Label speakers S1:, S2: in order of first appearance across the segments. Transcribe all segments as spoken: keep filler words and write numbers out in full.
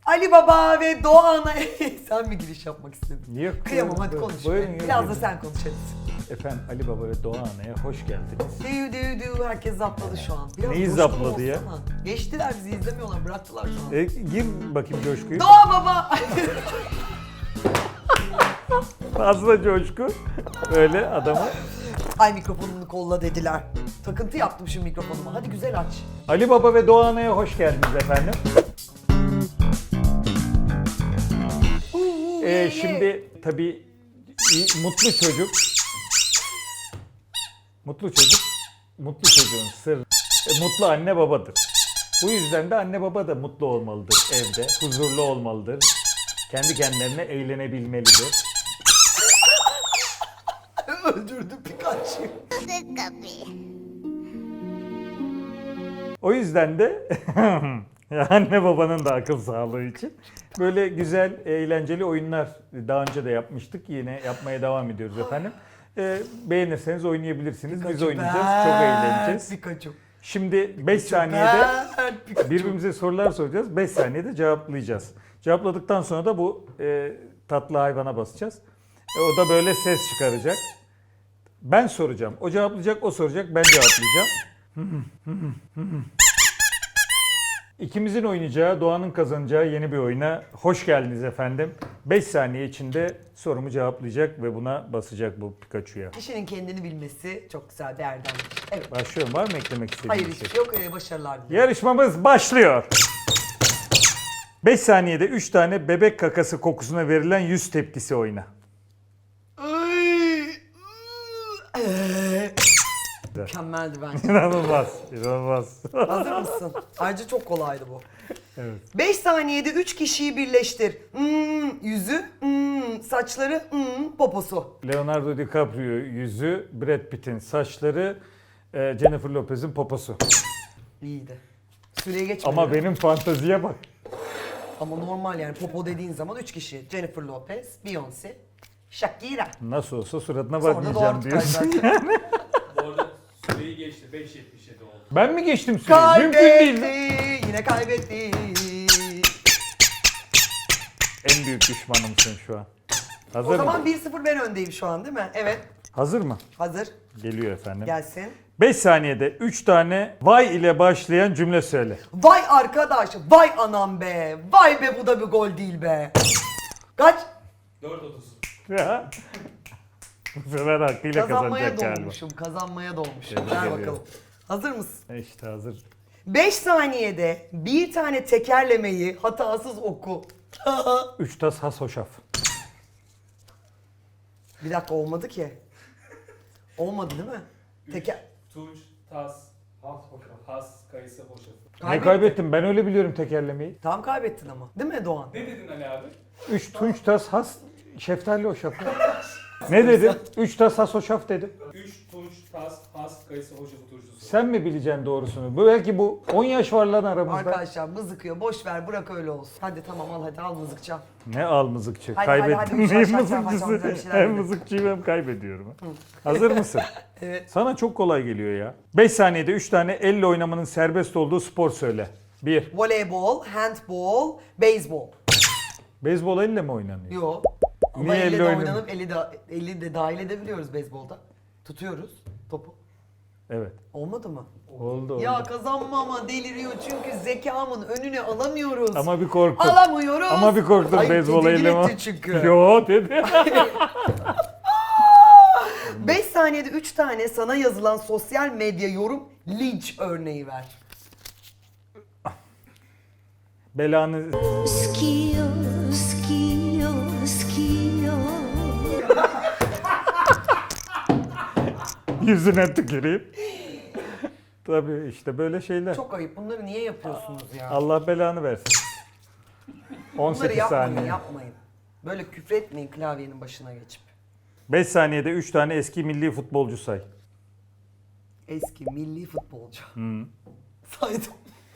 S1: Ali Baba ve Doğan'a... Sen mi giriş yapmak istedin?
S2: Yok.
S1: Kıyamam, hadi
S2: buyurun,
S1: konuş.
S2: buyurun,
S1: Biraz
S2: buyurun.
S1: da sen konuş hadi.
S2: Efendim Ali Baba ve Doğan Ana'ya hoş geldiniz.
S1: Düğü düğü düğü herkes zapladı şu an. Biraz
S2: Neyi
S1: coşkun
S2: zapladı ya?
S1: olsana. Geçtiler, bizi izlemiyorlar, bıraktılar şu an.
S2: E, gir bakayım coşkuyu.
S1: Doğa Baba!
S2: Fazla coşku. Böyle adamı.
S1: Ay mikrofonunu kolla dediler. Takıntı yaptım şu mikrofonuma. Hadi güzel aç.
S2: Ali Baba ve Doğan Ana'ya hoş geldiniz efendim.
S1: Uuu,
S2: Ee,
S1: ye, ye.
S2: şimdi tabii iyi- mutlu çocuk. Mutlu çocuk. Mutlu çocuğun sırrı. e, mutlu anne babadır. Bu yüzden de anne baba da mutlu olmalıdır evde. Huzurlu olmalıdır. Kendi kendilerine eğlenebilmelidir.
S1: Öldürdü Pikachu'yu.
S2: O yüzden de anne babanın da akıl sağlığı için böyle güzel, eğlenceli oyunlar daha önce de yapmıştık. Yine yapmaya devam ediyoruz efendim. Ee, beğenirseniz oynayabilirsiniz. Biz
S1: Pikachu
S2: oynayacağız.
S1: ben,
S2: Çok eğleneceğiz.
S1: Pikachu.
S2: Şimdi beş
S1: Pikachu
S2: saniyede
S1: ben, Pikachu.
S2: birbirimize sorular soracağız. beş saniyede cevaplayacağız. Cevapladıktan sonra da bu e, tatlı hayvana basacağız. E, o da böyle ses çıkaracak. Ben soracağım. O cevaplayacak, o soracak. Ben cevaplayacağım. İkimizin oynayacağı, Doğan'ın kazanacağı yeni bir oyuna hoş geldiniz efendim. beş saniye içinde sorumu cevaplayacak ve buna basacak bu Pikachu'ya.
S1: Kişinin kendini bilmesi çok güzel bir erdemdir. Evet.
S2: Başlıyorum. Var mı eklemek istediğin
S1: Hayır
S2: bir
S1: hiçbir
S2: şey?
S1: şey yok. Ee, başarılar dilerim.
S2: Yarışmamız başlıyor. beş saniyede üç tane bebek kakası kokusuna verilen yüz tepkisi oyna.
S1: Ay, Ee, Mükemmeldi bence.
S2: İnanılmaz, inanılmaz.
S1: Hazır mısın? Ayrıca çok kolaydı bu.
S2: Evet.
S1: beş saniyede üç kişiyi birleştir. Hmm, yüzü, hmm, saçları, hmm, poposu.
S2: Leonardo DiCaprio yüzü, Brad Pitt'in saçları, e, Jennifer Lopez'in poposu.
S1: İyiydi. Süreye geçmedi.
S2: Ama benim fanteziye bak.
S1: Ama normal yani popo dediğin zaman üç kişi. Jennifer Lopez, Beyoncé, Shakira.
S2: Nasıl olsa suratına
S1: Sonra da
S2: bakmayacağım
S1: Doğan
S2: diyorsun.
S1: Tutkay zaten.
S3: Bu arada süreyi geçti. beş yetmiş yedi oldu.
S2: Ben mi geçtim süreyi? Mümkün değil.
S1: Kaybetti, yine kaybetti.
S2: En büyük düşmanımsın şu an. Hazır
S1: O
S2: mı?
S1: zaman bir sıfır ben öndeyim şu an değil mi? Evet.
S2: Hazır mı?
S1: Hazır.
S2: Geliyor efendim.
S1: Gelsin.
S2: beş saniyede üç tane vay ile başlayan cümle söyle.
S1: Vay arkadaş, vay anam be. Vay be bu da bir gol değil be. Kaç?
S3: dört otuz.
S2: Ya. Bu sefer hakkıyla
S1: Kazanmaya
S2: kazanacak galiba.
S1: dolmuşum, kazanmaya dolmuşum.
S2: Tebrik
S1: Ver
S2: ediyorum.
S1: bakalım. Hazır mısın?
S2: E İşte hazır.
S1: beş saniyede bir tane tekerlemeyi hatasız oku.
S2: Üç tas has hoşaf.
S1: Bir dakika olmadı ki. Olmadı değil mi? Teker...
S3: Tunç, tas, has, hoşaf. Has, kayısı, hoşaf.
S2: Ne
S1: Kaybettin.
S2: kaybettim? Ben öyle biliyorum tekerlemeyi.
S1: Tam kaybettin ama. Değil mi Doğan?
S3: Ne dedin Ali abi?
S2: Üç tunç tas has şeftali hoşaf. Ne dedim? Üç tas has hoşaf dedim.
S3: üç tunç, tas, has, kayısı, hoşafı turşusu.
S2: Sen mi bileceksin doğrusunu? Bu belki bu on yaş var lan aramızda.
S1: Arkadaşlar mızıkıyor. Boş ver bırak öyle olsun. Hadi tamam al hadi al mızıkça.
S2: Ne al mızıkçı?
S1: Hadi, hadi,
S2: Kaybettim.
S1: hadi,
S2: Hem
S1: şak, şak, şak,
S2: mızıkçısı
S1: şak, bir şeyler
S2: hem
S1: dedim.
S2: mızıkçıyım hem kaybediyorum. Hazır mısın?
S1: Evet.
S2: Sana çok kolay geliyor ya. beş saniyede üç tane elle oynamanın serbest olduğu spor söyle. bir.
S1: Voleybol, handbol, beyzbol.
S2: Beyzbol elle mi oynanıyor?
S1: Yo. Ama
S2: Niye
S1: elle
S2: elle
S1: de
S2: oynanıyor?
S1: oynanıp eli de, eli de dahil edebiliyoruz beyzbolda. Tutuyoruz topu.
S2: Evet.
S1: Olmadı mı?
S2: Oldu oldu.
S1: Ya kazanmama deliriyor çünkü zekamın önüne alamıyoruz.
S2: Ama bir korktun.
S1: Alamıyoruz.
S2: Ama bir korktun
S1: Ay,
S2: beyzbol
S1: tedirgin
S2: elle mi?
S1: etti çünkü.
S2: Yo dedi.
S1: beş saniyede üç tane sana yazılan sosyal medya yorum linç örneği ver.
S2: Belanı
S4: Skio, skio, skio.
S2: yüzüne tüküreyim. Tabii işte böyle şeyler.
S1: Çok ayıp. Bunları niye yapıyorsunuz ya?
S2: Allah belanı versin. on
S1: Bunları
S2: sekiz
S1: yapmayın,
S2: saniye.
S1: yapmayın. Böyle küfretmeyin klavyenin başına geçip.
S2: beş saniyede üç tane eski milli futbolcu say.
S1: Eski milli futbolcu.
S2: Hı.
S1: Saydım.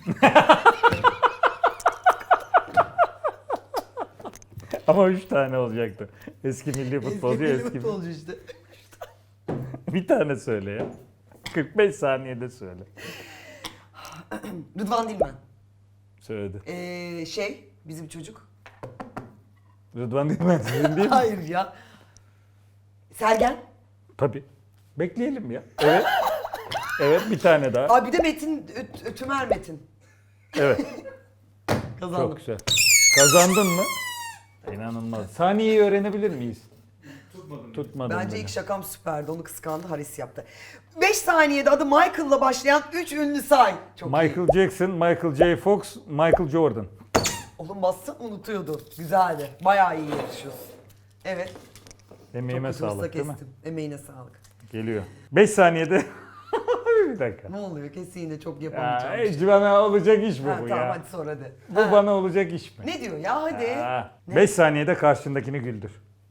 S2: Ama üç tane olacaktı. Eski milli futbolcu,
S1: eski milli
S2: eski.
S1: futbolcu işte.
S2: Bir tane söyle ya. kırk beş saniyede söyle.
S1: Rıdvan Dilmen.
S2: Söyledi.
S1: Ee, şey, Bizim çocuk.
S2: Rıdvan Dilmen sizin değil mi?
S1: Hayır ya. Sergen.
S2: Tabii. Bekleyelim ya. Evet. Evet bir tane daha.
S1: Aa bir de Metin, Ö- Ö- Tümer Metin.
S2: Evet.
S1: Kazandım.
S2: Çok güzel. Kazandın mı? İnanılmaz. Saniyeyi öğrenebilir miyiz?
S3: Tutmadım.
S2: Tutmadım.
S1: Bence
S2: beni.
S1: ilk şakam süperdi. Onu kıskandı. Haris yaptı. beş saniyede adı Michael'la başlayan üç ünlü say. Çok iyi.
S2: Michael Jackson, Michael J. Fox, Michael Jordan.
S1: Oğlum bassın unutuyordu. Güzeldi. Bayağı iyi yarışıyorsun. Evet.
S2: Emeğime
S1: Çok kötü hızla
S2: sağlık değil mi?
S1: kestim. Emeğine sağlık.
S2: Geliyor. beş saniyede. Bir dakika.
S1: Ne oluyor? Kesin yine çok
S2: Ya,
S1: yapamayacağım.
S2: hiç bana olacak iş mi
S1: Ha,
S2: bu
S1: tamam
S2: ya?
S1: hadi sor hadi.
S2: Bu
S1: Ha.
S2: bana olacak iş mi?
S1: Ne diyor ya hadi. Ne?
S2: beş saniyede karşındakini güldür.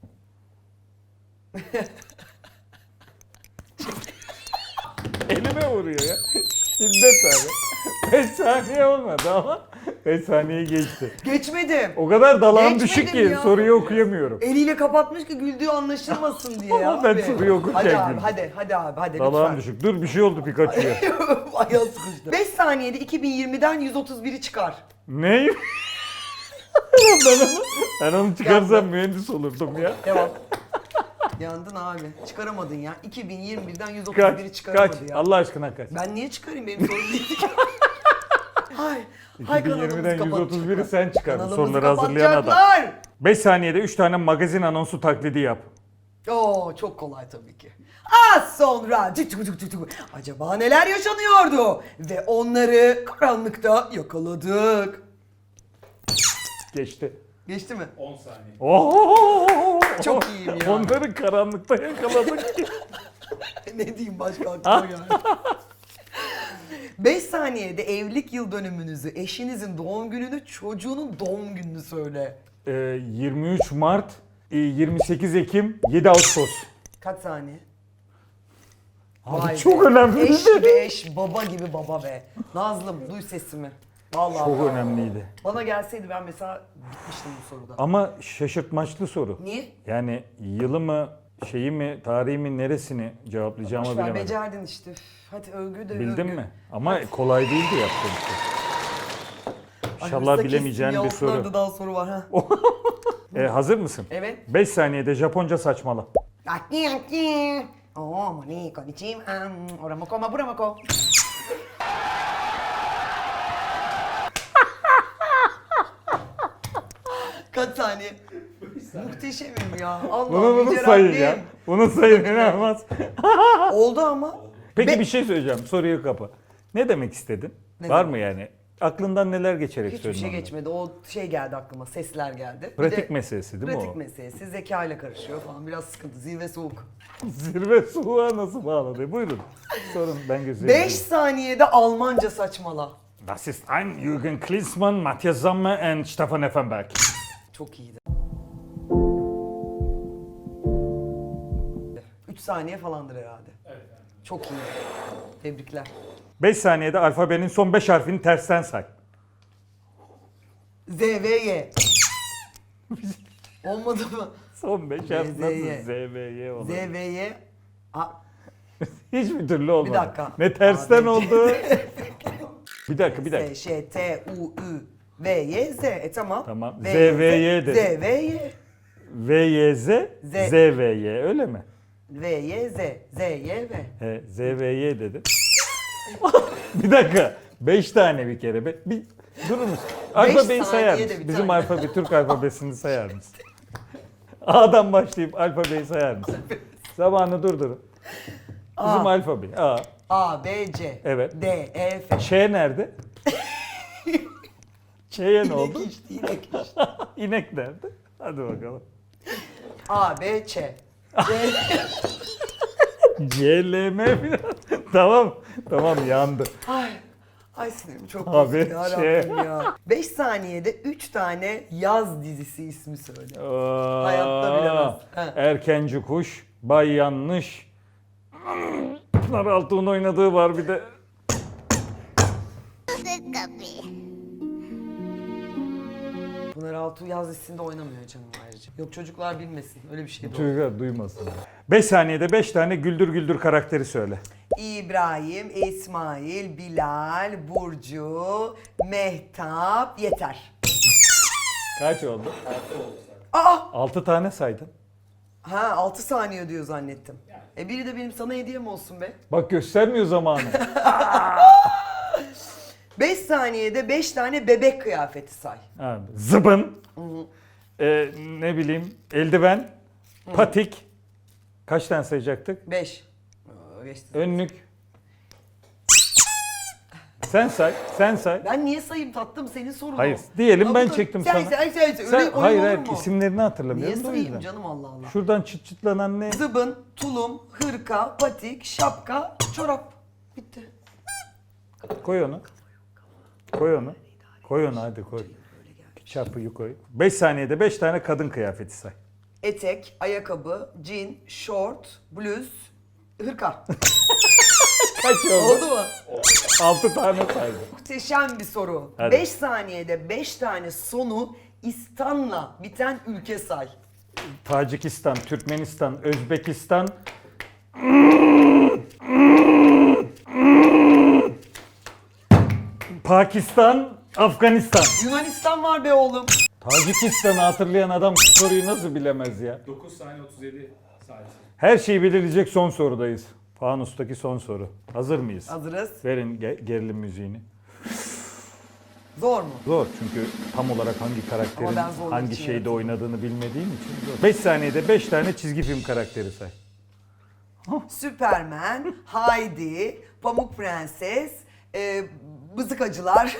S2: Elime vuruyor ya. Şiddet abi. beş saniye olmadı ama beş saniye geçti.
S1: Geçmedim.
S2: O kadar dalağım
S1: Geçmedim
S2: düşük ki
S1: ya.
S2: soruyu okuyamıyorum.
S1: Eliyle kapatmış ki güldüğü anlaşılmasın diye ya.
S2: Ama ben
S1: abi.
S2: soruyu okurken
S1: Hadi abi
S2: güldüm.
S1: hadi hadi abi hadi
S2: Dalağım
S1: lütfen.
S2: düşük. Dur bir şey oldu Pikachu'ya.
S1: Ayağı sıkıştı. beş saniyede iki bin yirmiden yüz otuz biri çıkar.
S2: Ne? ben, onu, ben onu çıkarsam mühendis olurdum ya.
S1: Devam. Yandın abi. Çıkaramadın ya. iki bin yirmi birden yüz otuz biri
S2: Kaç,
S1: çıkaramadı
S2: kaç.
S1: ya.
S2: Allah aşkına kaç.
S1: Ben niye çıkarayım? Benim sorum değil ki. Hay. Hay kanalımızı
S2: iki bin yirmiden yüz otuz biri sen çıkardın
S1: Kanalımızı
S2: soruları hazırlayan adam.
S1: kapatacaklar.
S2: beş saniyede üç tane magazin anonsu taklidi yap.
S1: Oo çok kolay tabii ki. Az sonra cık cık cık cık cık. Acaba neler yaşanıyordu? Ve onları karanlıkta yakaladık.
S2: Geçti.
S1: Geçti mi?
S3: on saniye.
S2: Oo!
S1: Çok iyiyim ya.
S2: Onları karanlıkta yakaladık ki.
S1: Ne diyeyim başka aklıma geldi. beş saniyede evlilik yıl dönümünüzü, eşinizin doğum gününü, çocuğunun doğum gününü söyle.
S2: Ee, yirmi üç Mart, e, yirmi sekiz Ekim, yedi Ağustos.
S1: Kaç saniye?
S2: Abi
S1: Vay
S2: çok
S1: be.
S2: önemliydi.
S1: Eş gibi eş, baba gibi baba be. Nazlım duy sesimi. Vallahi.
S2: Çok
S1: bak.
S2: önemliydi.
S1: Bana gelseydi ben mesela bitmiştim bu soruda.
S2: Ama şaşırtmaçlı soru.
S1: Niye?
S2: Yani yılı mı, şeyi mi, tarihi mi, neresini cevaplayacağımı
S1: Boş ver,
S2: bilemedim.
S1: becerdin işte. Üf, hadi övgü de
S2: Bildin
S1: övgü.
S2: mi? Ama kolay değildi yaptığım şey.
S1: Ay,
S2: İnşallah
S1: hırsa
S2: bilemeyeceğin
S1: kestim
S2: bir
S1: ya,
S2: soru.
S1: onlarda daha soru var ha.
S2: E, hazır mısın?
S1: Evet.
S2: beş saniyede Japonca saçmala.
S1: Aki aki. Oh, moni, konnichiwa. Oramoko, maburamoko. Kaç saniye? Muhteşemim ya. Allah
S2: Bunu bunu
S1: yüce
S2: sayın
S1: Rabbim.
S2: ya. Bunu sayın inanılmaz.
S1: Oldu ama.
S2: Peki
S1: Be-
S2: bir şey söyleyeceğim. Soruyu kapa. Ne demek istedin?
S1: Ne
S2: Var
S1: demek?
S2: mı yani? Aklından neler geçerek
S1: Hiçbir
S2: söyledin
S1: şey
S2: onları?
S1: geçmedi. O şey geldi aklıma. Sesler geldi. Bir
S2: Pratik
S1: de-
S2: meselesi değil mi
S1: Pratik
S2: o?
S1: meselesi. Zeka ile karışıyor falan. Biraz sıkıntı. Zirve soğuk.
S2: Zirve soğuğa nasıl bağladı? Buyurun. Sorun ben gözlerim.
S1: beş saniyede Almanca saçmala.
S2: Das ist ein Jürgen Klinsmann, Matthias Sammer and Stefan Effenberg.
S1: Çok iyiydi. üç saniye falandır herhalde.
S3: Evet. Yani.
S1: Çok iyi. Tebrikler.
S2: beş saniyede alfabenin son beş harfini tersten say.
S1: Z, V, Y. Olmadı mı?
S2: Son beş harf
S1: Z,
S2: nasıl
S1: Y.
S2: Z, V, Y olur?
S1: Z, V, Y. A,
S2: Hiçbir türlü olmadı.
S1: Bir dakika.
S2: Ne tersten
S1: A, B, C.
S2: oldu? bir dakika bir
S1: S,
S2: dakika.
S1: Ş, T, U, Ü, V, Y, Z. E tamam.
S2: Tamam.
S1: V,
S2: Z, V, Y dedi.
S1: Z, V, Y.
S2: V, Y, Z,
S1: Z.
S2: Z, V, Y öyle mi?
S1: V, Y, Z. Z, Y, V.
S2: He, Z, V, Y dedi. bir dakika. Beş tane bir kere. Be. Bir, durur musun? Alfabeyi sayar
S1: saniyede
S2: mısın?
S1: bir
S2: Bizim
S1: tane.
S2: alfabe, Türk alfabesini sayar mısın? A'dan başlayıp alfabeyi sayar mısın? Zamanı durdurun. Bizim
S1: A.
S2: alfabe. A.
S1: A, B, C.
S2: Evet.
S1: D, E, F.
S2: Ç nerede? Ç'ye ne oldu?
S1: İnek içti, inek içti.
S2: İnek nerede? Hadi bakalım.
S1: A, B, Ç. C,
S2: C, L, M falan. Tamam. Tamam yandı.
S1: Ay, ay sinirim çok
S2: Abi,
S1: bozuldu ya
S2: şey-
S1: Rabbim ya. beş saniyede üç tane yaz dizisi ismi söyle.
S2: Aa,
S1: Hayatta bilemez. He.
S2: Erkenci Kuş, Bay Yanlış. Pınar Altuğ'un oynadığı var bir de.
S1: Pınar Altuğ yaz dizisinde oynamıyor canım ayrıca. Yok çocuklar bilmesin öyle bir şey de yok.
S2: Çocuklar duymasın. beş saniyede beş tane güldür güldür karakteri söyle.
S1: İbrahim, İsmail, Bilal, Burcu, Mehtap, yeter.
S2: Kaç oldu?
S3: Altı oldu zaten.
S1: Aa!
S2: altı tane saydın.
S1: Ha altı saniye diyor zannettim. E biri de benim sana hediyem olsun be.
S2: Bak göstermiyor zamanı.
S1: beş saniyede beş tane bebek kıyafeti say.
S2: Ha, zıbın. Ee, ne bileyim eldiven. Patik. Kaç tane sayacaktık?
S1: beş.
S2: Önlük. Sen say, sen say.
S1: Ben niye sayayım tatlım senin sorun
S2: Hayır,
S1: o.
S2: diyelim
S1: Ya
S2: ben
S1: bu-
S2: çektim
S1: sen,
S2: sana.
S1: Sen sen sen. Öyle
S2: Sen,
S1: oyun
S2: hayır
S1: olur
S2: hayır
S1: mu?
S2: isimlerini
S1: Niye
S2: hatırlamıyorum da o
S1: sayayım
S2: yüzden.
S1: canım Allah Allah.
S2: Şuradan çıt çıtlanan ne?
S1: Zıbın, tulum, hırka, patik, şapka, çorap. Bitti.
S2: Koy onu. Koy onu. Koy onu hadi koy. Çarpıyı koy. beş saniyede beş tane kadın kıyafeti say.
S1: Etek, ayakkabı, jean, short, bluz, hırka.
S2: Kaç oldu?
S1: Oldu mu?
S2: altı tane saydım.
S1: Muhteşem bir soru.
S2: Hadi.
S1: beş saniyede beş tane sonu İstan'la biten ülke say.
S2: Tacikistan, Türkmenistan, Özbekistan, Pakistan, Afganistan.
S1: Yunanistan var be oğlum.
S2: Tacikistan'ı hatırlayan adam bu soruyu nasıl bilemez ya?
S3: dokuz saniye otuz yedi saniye.
S2: Her şeyi belirleyecek son sorudayız. Fanus'taki son soru. Hazır mıyız?
S1: Hazırız.
S2: Verin ge- gerilim müziğini.
S1: Zor mu?
S2: Zor çünkü tam olarak hangi karakterin
S1: Ama ben zorluk
S2: hangi
S1: için
S2: şeyde
S1: yaratıyorum.
S2: oynadığını bilmediğim için zor. beş saniyede beş tane çizgi film karakteri say.
S1: Superman, Heidi, Pamuk Prenses, e, Bızıkacılar,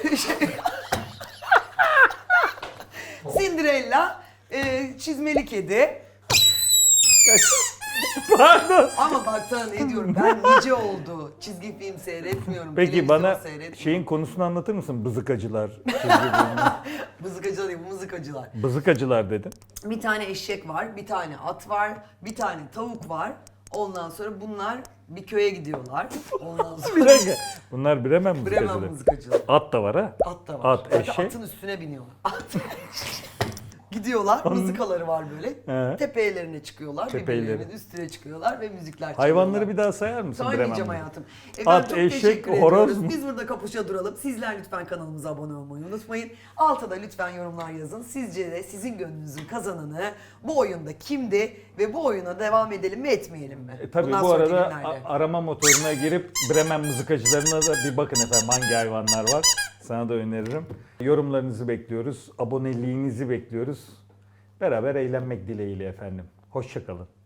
S1: Cinderella, e, Çizmeli Kedi.
S2: Pardon.
S1: Ama bak sana ne diyorum ben nice oldu. Çizgi film seyretmiyorum.
S2: Peki
S1: televizyon
S2: bana
S1: seyretmiyorum.
S2: şeyin konusunu anlatır mısın? Bızıkacılar. çizgi filmi.
S1: Bızıkacılar değil, bu mızıkacılar.
S2: Bızıkacılar dedin.
S1: Bir tane eşek var, bir tane at var, bir tane tavuk var. Ondan sonra bunlar bir köye gidiyorlar. Ondan sonra
S2: Bir dakika. Bunlar Bremen
S1: Bremen
S2: mızıkacıları.
S1: mızıkacılar.
S2: At da var ha.
S1: At da var.
S2: At,
S1: Bir de
S2: eşek.
S1: Atın üstüne biniyorlar. At. Gidiyorlar, mızıkaları var böyle.
S2: He.
S1: Tepelerine çıkıyorlar,
S2: Tepeleri.
S1: birbirlerinin üstüne çıkıyorlar ve müzikler
S2: Hayvanları
S1: çalıyorlar.
S2: bir daha sayar mısın Bremen
S1: Söyleyeceğim
S2: mızıkacıları?
S1: hayatım. Efendim
S2: At,
S1: çok
S2: eşek,
S1: teşekkür
S2: horoz
S1: ediyoruz.
S2: mu?
S1: Biz burada kapışa duralım. Sizler lütfen kanalımıza abone olmayı unutmayın. Alta da lütfen yorumlar yazın. Sizce de sizin gönlünüzün kazananı bu oyunda kimdi ve bu oyuna devam edelim mi etmeyelim mi?
S2: E, tabii
S1: Bundan
S2: bu
S1: sonraki
S2: arada
S1: günlerde.
S2: a- arama motoruna girip Bremen mızıkacılarına da bir bakın efendim hangi hayvanlar var. Sana da öneririm. Yorumlarınızı bekliyoruz. Aboneliğinizi bekliyoruz. Beraber eğlenmek dileğiyle efendim. Hoşça kalın.